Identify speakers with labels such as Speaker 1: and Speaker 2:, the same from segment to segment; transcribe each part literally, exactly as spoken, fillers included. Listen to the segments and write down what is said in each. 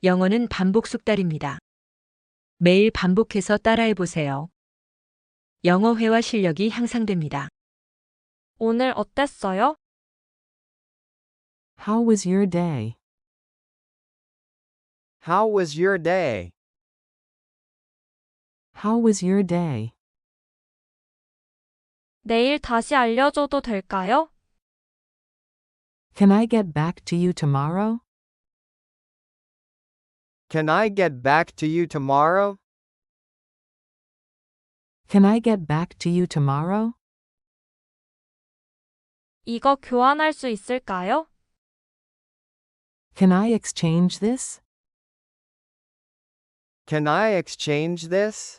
Speaker 1: 영어는 반복 숙달입니다. 매일 반복해서 따라해 보세요. 영어 회화 실력이 향상됩니다.
Speaker 2: 오늘 어땠어요?
Speaker 3: How was your day?
Speaker 4: How was your day?
Speaker 3: How was your day?
Speaker 2: 내일 다시 알려줘도 될까요?
Speaker 3: Can I get back to you tomorrow?
Speaker 4: Can I get back to you tomorrow?
Speaker 3: Can I get back to you tomorrow?
Speaker 2: 이거 교환할 수 있을까요?
Speaker 3: Can I exchange this?
Speaker 4: Can I exchange this?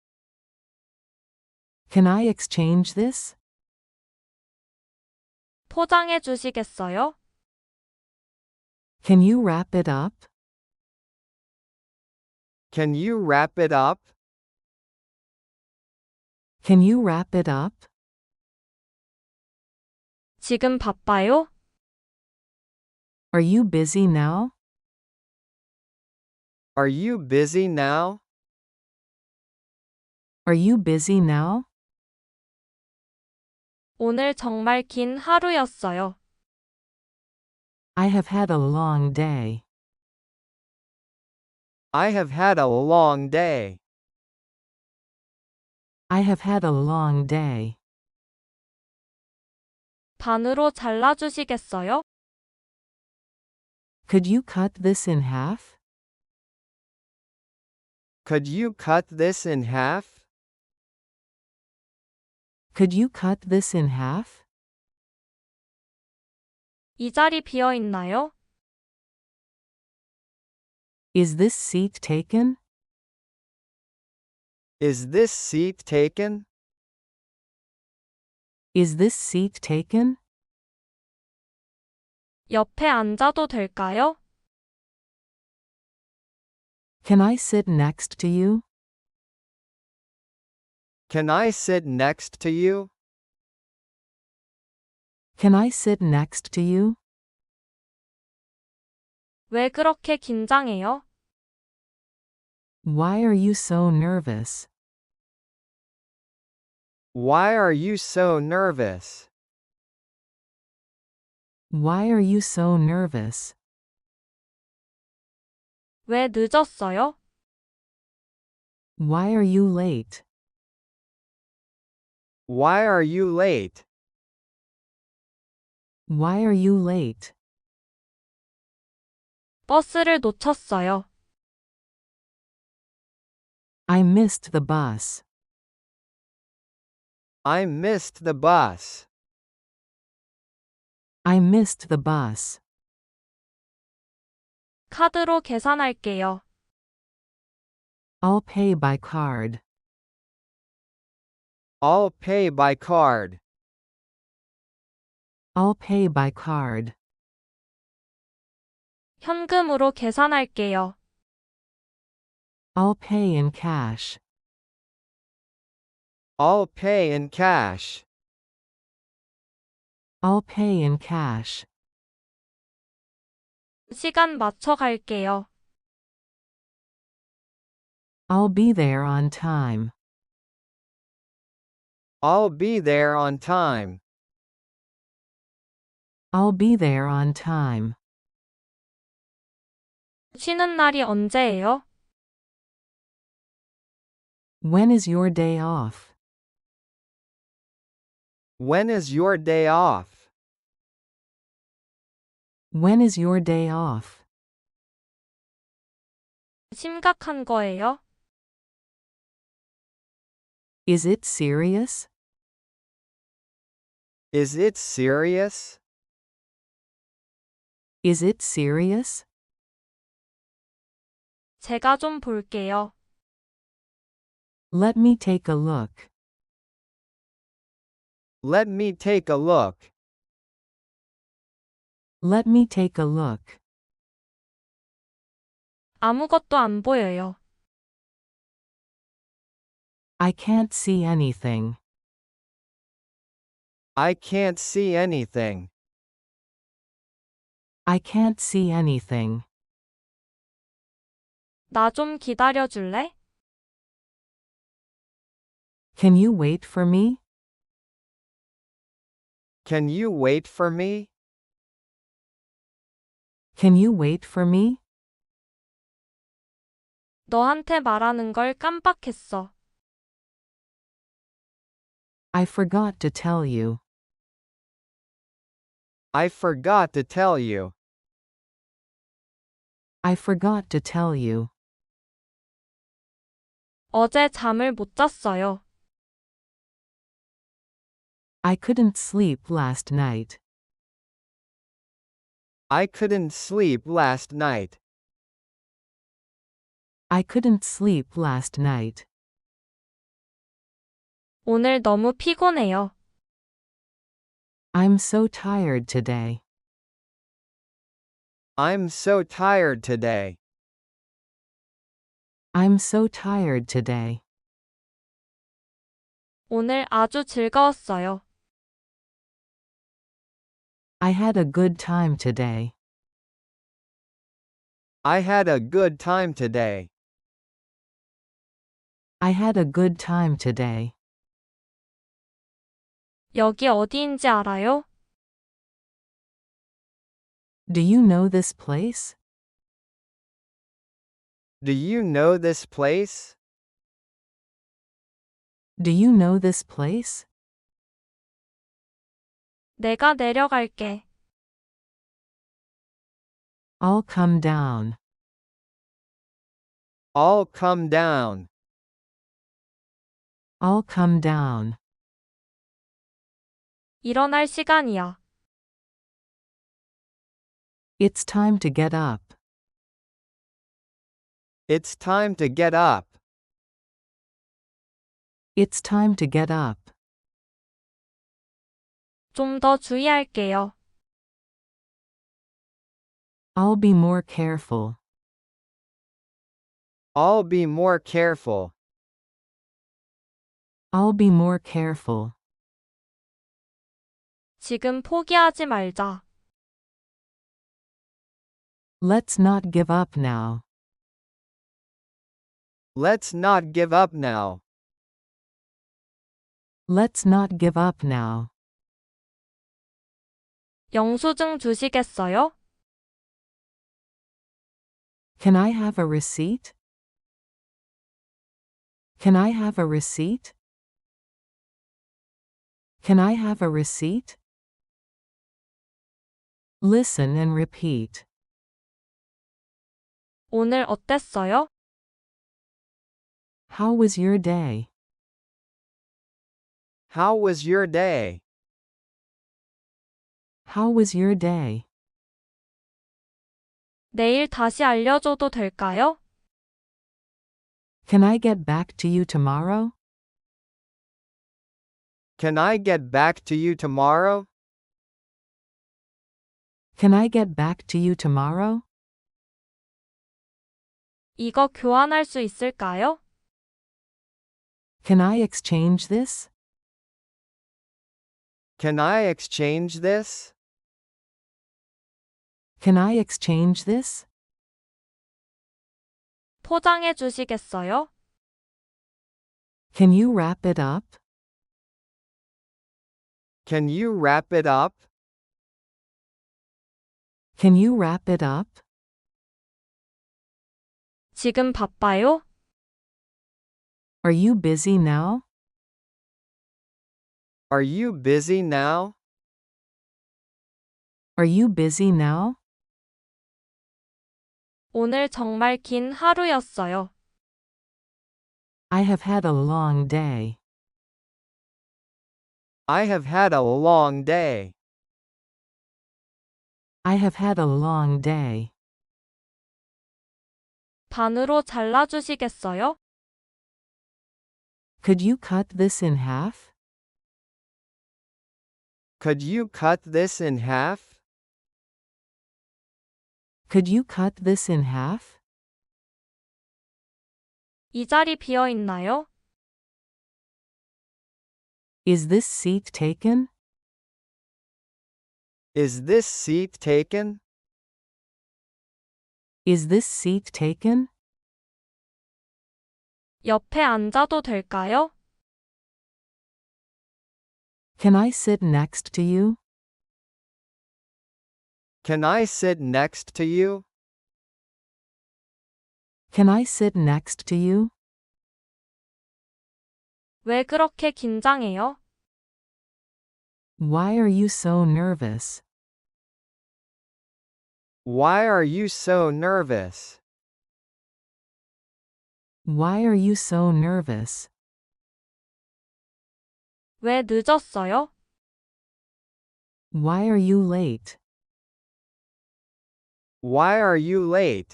Speaker 3: Can I exchange this?
Speaker 2: 포장해 주시겠어요?
Speaker 3: Can you wrap it up?
Speaker 4: Can you wrap it up?
Speaker 3: Can you wrap it up?
Speaker 2: 지금 바빠요?
Speaker 3: Are you busy now?
Speaker 4: Are you busy now?
Speaker 3: Are you busy now?
Speaker 2: 오늘 정말 긴 하루였어요.
Speaker 3: I have had a long day.
Speaker 4: I have had a long day.
Speaker 3: I have had a long day.
Speaker 2: 반으로 잘라주시겠어요?
Speaker 3: Could you cut this in half?
Speaker 4: Could you cut this in half?
Speaker 3: Could you cut this in half?
Speaker 2: 이 자리 비어 있나요?
Speaker 3: Is this seat taken?
Speaker 4: Is this seat taken?
Speaker 3: Is this seat taken?
Speaker 2: 옆에 앉아도 될까요?
Speaker 3: Can I sit next to you?
Speaker 4: Can I sit next to you?
Speaker 3: Can I sit next to you?
Speaker 2: 왜 그렇게 긴장해요?
Speaker 3: Why are you so nervous?
Speaker 4: Why are you so nervous?
Speaker 3: Why are you so nervous?
Speaker 2: 왜 늦었어요?
Speaker 3: Why are you late?
Speaker 4: Why are you late?
Speaker 3: Why are you late?
Speaker 2: 버스를 놓쳤어요.
Speaker 3: I missed the bus.
Speaker 4: I missed the bus.
Speaker 3: I missed the bus.
Speaker 2: 카드로 계산할게요.
Speaker 3: I'll pay by card.
Speaker 4: I'll pay by card.
Speaker 3: I'll pay by card.
Speaker 2: 현금으로 계산할게요.
Speaker 3: I'll pay in cash.
Speaker 4: I'll pay in cash.
Speaker 3: I'll pay in cash.
Speaker 2: 시간 맞춰 갈게요.
Speaker 3: I'll be there on time.
Speaker 4: I'll be there on time.
Speaker 3: I'll be there on time.
Speaker 2: 쉬는 날이 언제예요?
Speaker 3: When is your day off?
Speaker 4: When is your day off?
Speaker 3: When is your day off?
Speaker 2: 심각한 거예요?
Speaker 3: Is it serious?
Speaker 4: Is it serious?
Speaker 3: Is it serious?
Speaker 2: 제가 좀 볼게요.
Speaker 3: Let me take a look.
Speaker 4: Let me take a look.
Speaker 3: Let me take a look.
Speaker 2: 아무것도 안 보여요.
Speaker 3: I can't see anything.
Speaker 4: I can't see anything.
Speaker 3: I can't see anything.
Speaker 2: 나 좀 기다려 줄래?
Speaker 3: Can you wait for me?
Speaker 4: Can you wait for me?
Speaker 3: Can you wait for me?
Speaker 2: 너한테 말하는 걸 깜빡했어.
Speaker 3: I forgot to tell you.
Speaker 4: I forgot to tell you.
Speaker 3: I forgot to tell you.
Speaker 2: 어제 잠을 못 잤어요.
Speaker 3: I couldn't sleep last night.
Speaker 4: I couldn't sleep last night.
Speaker 3: I couldn't sleep last night.
Speaker 2: 오늘 너무 피곤해요.
Speaker 3: I'm so tired today.
Speaker 4: I'm so tired today.
Speaker 3: I'm so tired today.
Speaker 2: 오늘 아주 즐거웠어요.
Speaker 3: I had a good time today.
Speaker 4: I had a good time today.
Speaker 3: I had a good time today.
Speaker 2: 여기 어디인지 알아요?
Speaker 3: Do you know this place?
Speaker 4: Do you know this place?
Speaker 3: Do you know this place?
Speaker 2: 내가 내려갈게.
Speaker 3: I'll come down.
Speaker 4: I'll come down.
Speaker 3: I'll come down.
Speaker 2: 일어날 시간이야.
Speaker 3: It's time to get up.
Speaker 4: It's time to get up.
Speaker 3: It's time to get up.
Speaker 2: 좀 더 주의할게요.
Speaker 3: I'll be more careful.
Speaker 4: I'll be more careful.
Speaker 3: I'll be more careful.
Speaker 2: 지금 포기하지 말자.
Speaker 3: Let's not give up now.
Speaker 4: Let's not give up now.
Speaker 3: Let's not give up now.
Speaker 2: 영수증 주시겠어요?
Speaker 3: Can I have a receipt? Can I have a receipt? Can I have a receipt? Listen and repeat.
Speaker 2: 오늘 어땠어요?
Speaker 3: How was your day?
Speaker 4: How was your day?
Speaker 3: How was your day?
Speaker 2: 내일 다시 알려줘도 될까요?
Speaker 3: Can I get back to you tomorrow?
Speaker 4: Can I get back to you tomorrow?
Speaker 3: Can I get back to you tomorrow?
Speaker 2: 이거 교환할 수 있을까요?
Speaker 3: Can I exchange this?
Speaker 4: Can I exchange this?
Speaker 3: Can I exchange this?
Speaker 2: 포장해 주시겠어요?
Speaker 3: Can you wrap it up?
Speaker 4: Can you wrap it up?
Speaker 3: Can you wrap it up?
Speaker 2: 지금 바빠요?
Speaker 3: Are you busy now?
Speaker 4: Are you busy now?
Speaker 3: Are you busy now?
Speaker 2: 오늘 정말 긴 하루였어요.
Speaker 3: I have had a long day.
Speaker 4: I have had a long day.
Speaker 3: I have had a long day.
Speaker 2: 반으로 잘라주시겠어요?
Speaker 3: Could you cut this in half?
Speaker 4: Could you cut this in half?
Speaker 3: Could you cut this in half?
Speaker 2: 이 자리 비어 있나요?
Speaker 3: Is this seat taken?
Speaker 4: Is this seat taken?
Speaker 3: Is this seat taken?
Speaker 2: 옆에 앉아도 될까요?
Speaker 3: Can I sit next to you?
Speaker 4: Can I sit next to you?
Speaker 3: Can I sit next to you?
Speaker 2: 왜 그렇게 긴장해요?
Speaker 3: Why are you so nervous?
Speaker 4: Why are you so nervous?
Speaker 3: Why are you so nervous?
Speaker 2: 왜 늦었어요?
Speaker 3: Why are you late?
Speaker 4: Why are you late?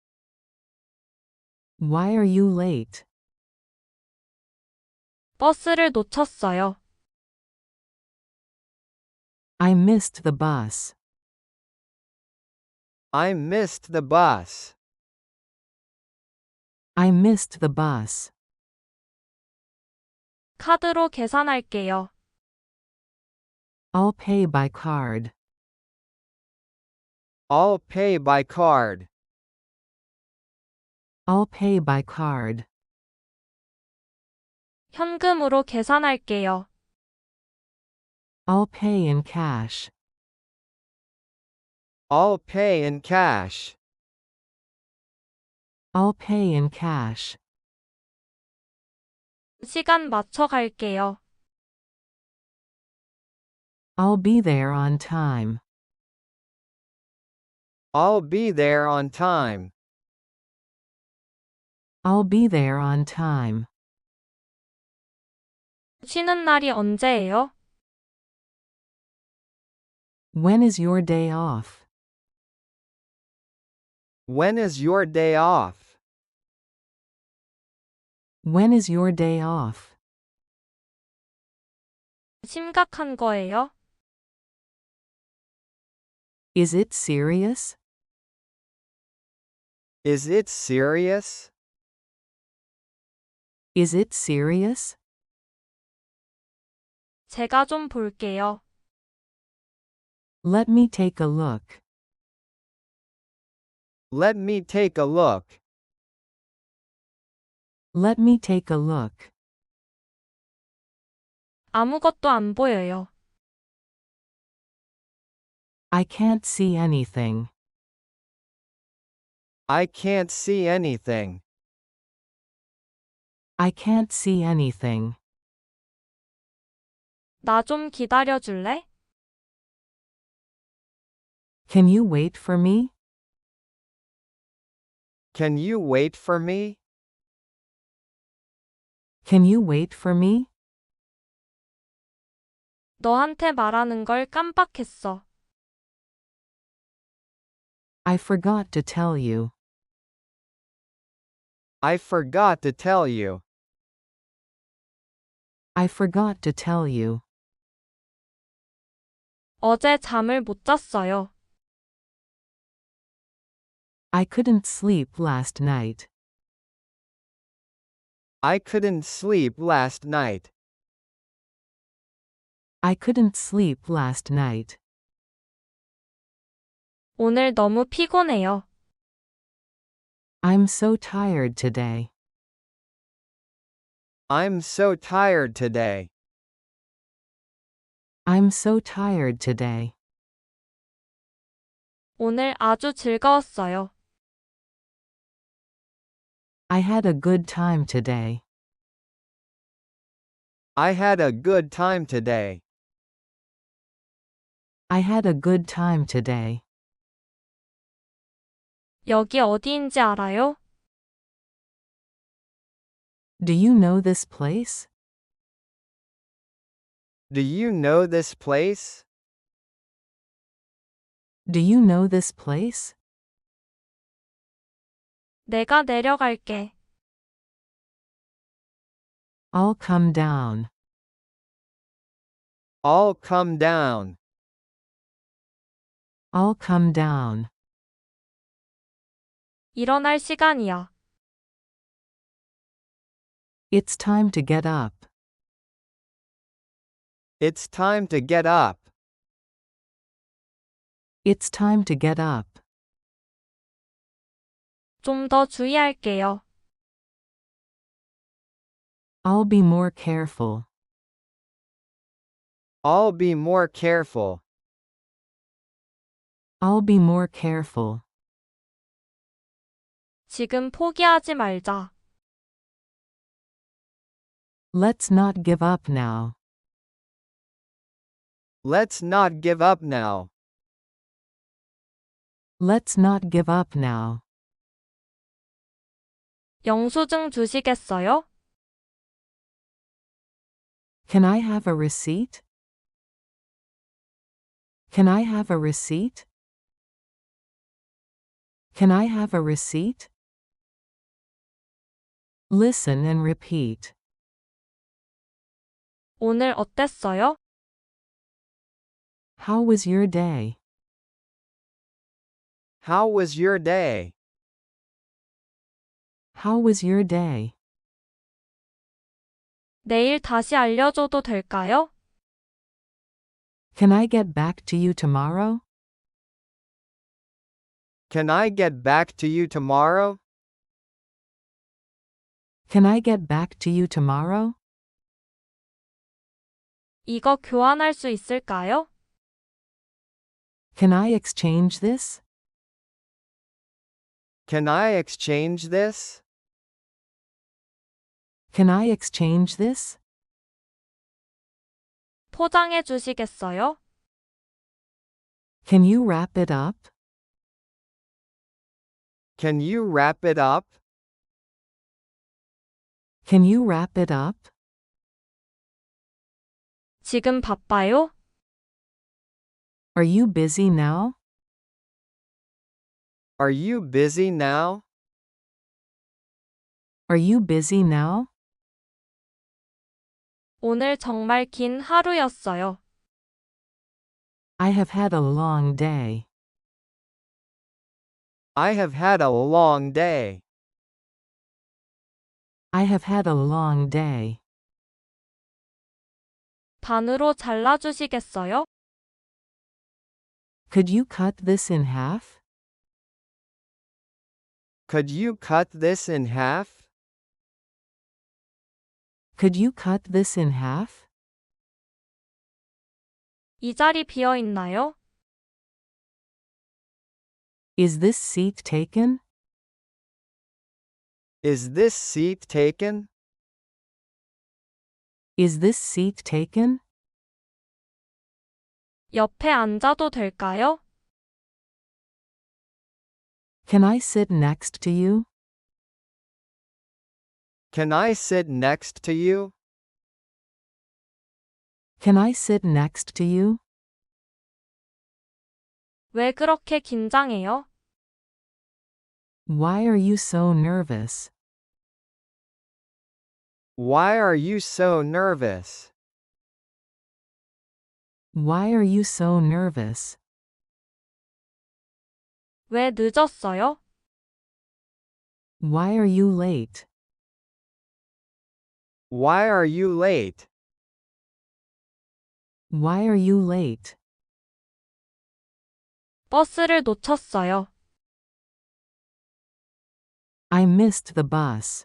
Speaker 3: Why are you late?
Speaker 2: 버스를 놓쳤어요.
Speaker 3: I missed the bus.
Speaker 4: I missed the bus.
Speaker 3: I missed the bus.
Speaker 2: 카드로 계산할게요.
Speaker 3: I'll pay by card.
Speaker 4: I'll pay by card.
Speaker 3: I'll pay by card.
Speaker 2: 현금으로 계산할게요.
Speaker 3: I'll pay in cash.
Speaker 4: I'll pay in cash.
Speaker 3: I'll pay in cash.
Speaker 2: 시간 맞춰 갈게요.
Speaker 3: I'll be there on time.
Speaker 4: I'll be there on time.
Speaker 3: I'll be there on time.
Speaker 2: 쉬는 날이 언제예요?
Speaker 3: When is your day off?
Speaker 4: When is your day off?
Speaker 3: When is your day off?
Speaker 2: 심각한 거예요?
Speaker 3: Is it serious?
Speaker 4: Is it serious?
Speaker 3: Is it serious?
Speaker 2: 제가 좀 볼게요.
Speaker 3: Let me take a look.
Speaker 4: Let me take a look.
Speaker 3: Let me take a look.
Speaker 2: 아무것도 안 보여요.
Speaker 3: I can't see anything.
Speaker 4: I can't see anything.
Speaker 3: I can't see anything.
Speaker 2: 나 좀 기다려 줄래?
Speaker 3: Can you wait for me?
Speaker 4: Can you wait for me?
Speaker 3: Can you wait for me?
Speaker 2: 너한테 말하는 걸 깜빡했어.
Speaker 3: I forgot to tell you.
Speaker 4: I forgot to tell you.
Speaker 3: I forgot to tell you.
Speaker 2: 어제 잠을 못 잤어요.
Speaker 3: I couldn't sleep last night.
Speaker 4: I couldn't sleep last night.
Speaker 3: I couldn't sleep last night.
Speaker 2: 오늘 너무 피곤해요.
Speaker 3: I'm so tired today.
Speaker 4: I'm so tired today.
Speaker 3: I'm so tired today.
Speaker 2: 오늘 아주 즐거웠어요.
Speaker 3: I had a good time today.
Speaker 4: I had a good time today.
Speaker 3: I had a good time today.
Speaker 2: 여기 어디인지 알아요?
Speaker 3: Do you know this place?
Speaker 4: Do you know this place?
Speaker 3: Do you know this place?
Speaker 2: 내가 내려갈게.
Speaker 3: I'll come down.
Speaker 4: I'll come down.
Speaker 3: I'll come down.
Speaker 2: 일어날 시간이야.
Speaker 3: It's time to get up.
Speaker 4: It's time to get up.
Speaker 3: It's time to get up.
Speaker 2: 좀 더 주의할게요.
Speaker 3: I'll be more careful.
Speaker 4: I'll be more careful.
Speaker 3: I'll be more careful.
Speaker 2: 지금 포기하지 말자.
Speaker 3: Let's not give up now.
Speaker 4: Let's not give up now.
Speaker 3: Let's not give up now.
Speaker 2: 영수증 주시겠어요?
Speaker 3: Can I have a receipt? Can I have a receipt? Can I have a receipt? Listen and repeat.
Speaker 2: 오늘 어땠어요?
Speaker 3: How was your day?
Speaker 4: How was your day?
Speaker 3: How was your day?
Speaker 2: 내일 다시 알려줘도 될까요?
Speaker 3: Can I get back to you tomorrow?
Speaker 4: Can I get back to you tomorrow?
Speaker 3: Can I get back to you tomorrow?
Speaker 2: 이거 교환할 수 있을까요?
Speaker 3: Can I exchange this?
Speaker 4: Can I exchange this?
Speaker 3: Can I exchange this?
Speaker 2: 포장해 주시겠어요?
Speaker 3: Can you wrap it up?
Speaker 4: Can you wrap it up?
Speaker 3: Can you wrap it up?
Speaker 2: 지금 바빠요?
Speaker 3: Are you busy now?
Speaker 4: Are you busy now?
Speaker 3: Are you busy now?
Speaker 2: 오늘 정말 긴 하루였어요.
Speaker 3: I have had a long day.
Speaker 4: I have had a long day.
Speaker 3: I have had a long day.
Speaker 2: 반으로 잘라주시겠어요?
Speaker 3: Could you cut this in half?
Speaker 4: Could you cut this in half?
Speaker 3: Could you cut this in half?
Speaker 2: 이 자리 비어 있나요?
Speaker 3: Is this seat taken?
Speaker 4: Is this seat taken?
Speaker 3: Is this seat taken?
Speaker 2: 옆에 앉아도 될까요?
Speaker 3: Can I sit next to you?
Speaker 4: Can I sit next to you?
Speaker 3: Can I sit next to you?
Speaker 2: 왜 그렇게 긴장해요?
Speaker 3: Why are you so nervous?
Speaker 4: Why are you so nervous?
Speaker 3: Why are you so nervous?
Speaker 2: 왜 늦었어요?
Speaker 3: Why are you late?
Speaker 4: Why are you late?
Speaker 3: Why are you late?
Speaker 2: 버스를 놓쳤어요.
Speaker 3: I missed the bus.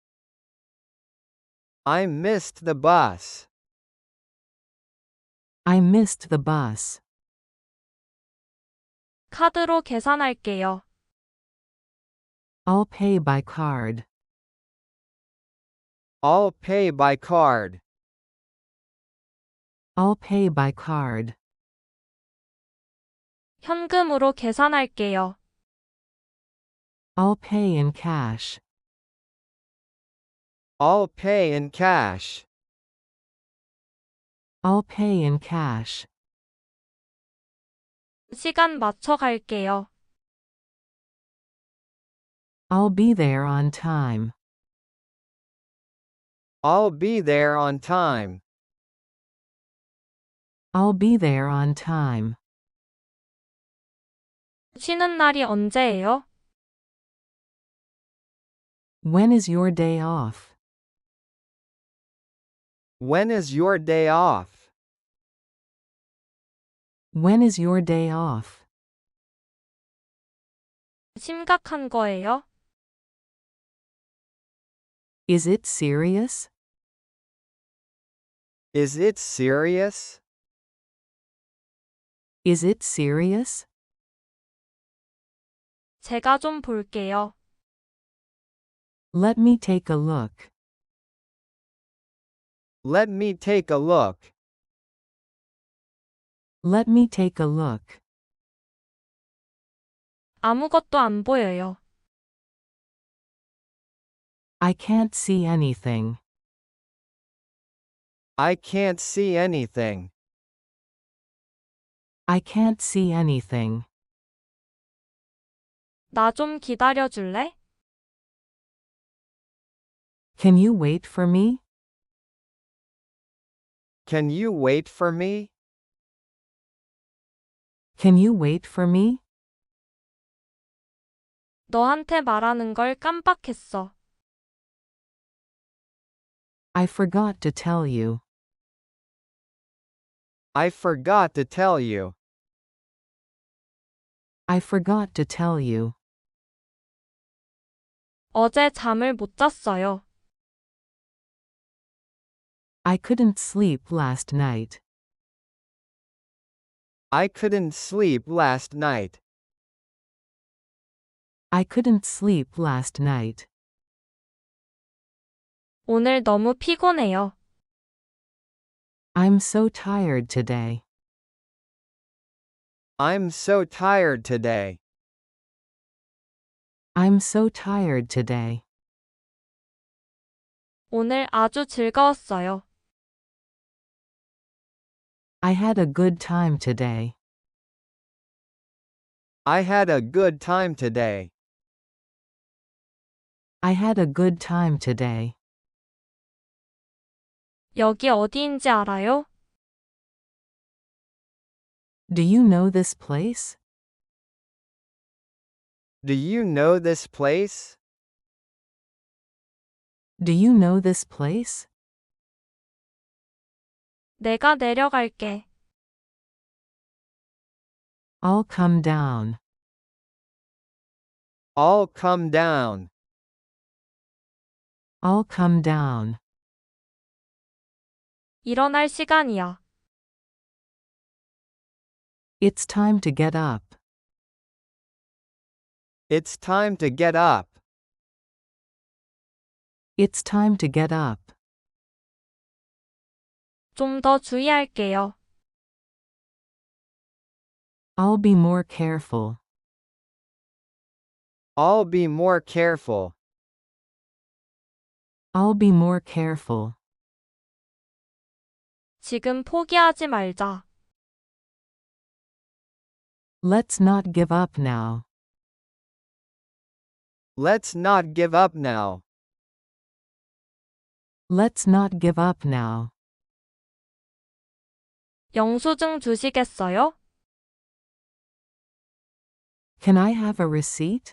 Speaker 4: I missed the bus.
Speaker 3: I missed the bus.
Speaker 2: 카드로 계산할게요.
Speaker 3: I'll pay by card.
Speaker 4: I'll pay by card.
Speaker 3: I'll pay by card.
Speaker 2: 현금으로 계산할게요.
Speaker 3: I'll pay in cash.
Speaker 4: I'll pay in cash.
Speaker 3: I'll pay in cash.
Speaker 2: 시간 맞춰 갈게요.
Speaker 3: I'll be there on time.
Speaker 4: I'll be there on time.
Speaker 3: I'll be there on time.
Speaker 2: 쉬는 날이 언제예요?
Speaker 3: When is your day off?
Speaker 4: When is your day off?
Speaker 3: When is your day off?
Speaker 2: 심각한 거예요?
Speaker 3: Is it serious?
Speaker 4: Is it serious?
Speaker 3: Is it serious?
Speaker 2: 제가 좀 볼게요.
Speaker 3: Let me take a look.
Speaker 4: Let me take a look.
Speaker 3: Let me take a look.
Speaker 2: 아무것도 안 보여요.
Speaker 3: I can't see anything.
Speaker 4: I can't see anything.
Speaker 3: I can't see anything.
Speaker 2: 나 좀 기다려 줄래?
Speaker 3: Can you wait for me?
Speaker 4: Can you wait for me?
Speaker 3: Can you wait for me?
Speaker 2: 너한테 말하는 걸 깜빡했어.
Speaker 3: I forgot to tell you.
Speaker 4: I forgot to tell you.
Speaker 3: I forgot to tell you.
Speaker 2: 어제 잠을 못 잤어요.
Speaker 3: I couldn't sleep last night.
Speaker 4: I couldn't sleep last night.
Speaker 3: I couldn't sleep last night.
Speaker 2: 오늘 너무 피곤해요.
Speaker 3: I'm so tired today.
Speaker 4: I'm so tired today.
Speaker 3: I'm so tired today.
Speaker 2: 오늘 아주 즐거웠어요.
Speaker 3: I had a good time today.
Speaker 4: I had a good time today.
Speaker 3: I had a good time today.
Speaker 2: 여기 어디인지 알아요?
Speaker 3: Do you know this place?
Speaker 4: Do you know this place?
Speaker 3: Do you know this place?
Speaker 2: 내가 내려갈게.
Speaker 3: I'll come down.
Speaker 4: I'll come down.
Speaker 3: I'll come down.
Speaker 2: 일어날 시간이야.
Speaker 3: It's time to get up.
Speaker 4: It's time to get up.
Speaker 3: It's time to get up.
Speaker 2: 좀 더 주의할게요.
Speaker 3: I'll be more careful.
Speaker 4: I'll be more careful.
Speaker 3: I'll be more careful.
Speaker 2: 지금 포기하지 말자.
Speaker 3: Let's not give up now.
Speaker 4: Let's not give up now.
Speaker 3: Let's not give up now.
Speaker 2: 영수증 주시겠어요?
Speaker 3: Can I have a receipt?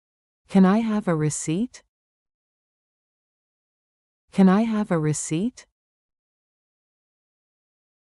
Speaker 3: Can I have a receipt? Can I have a receipt?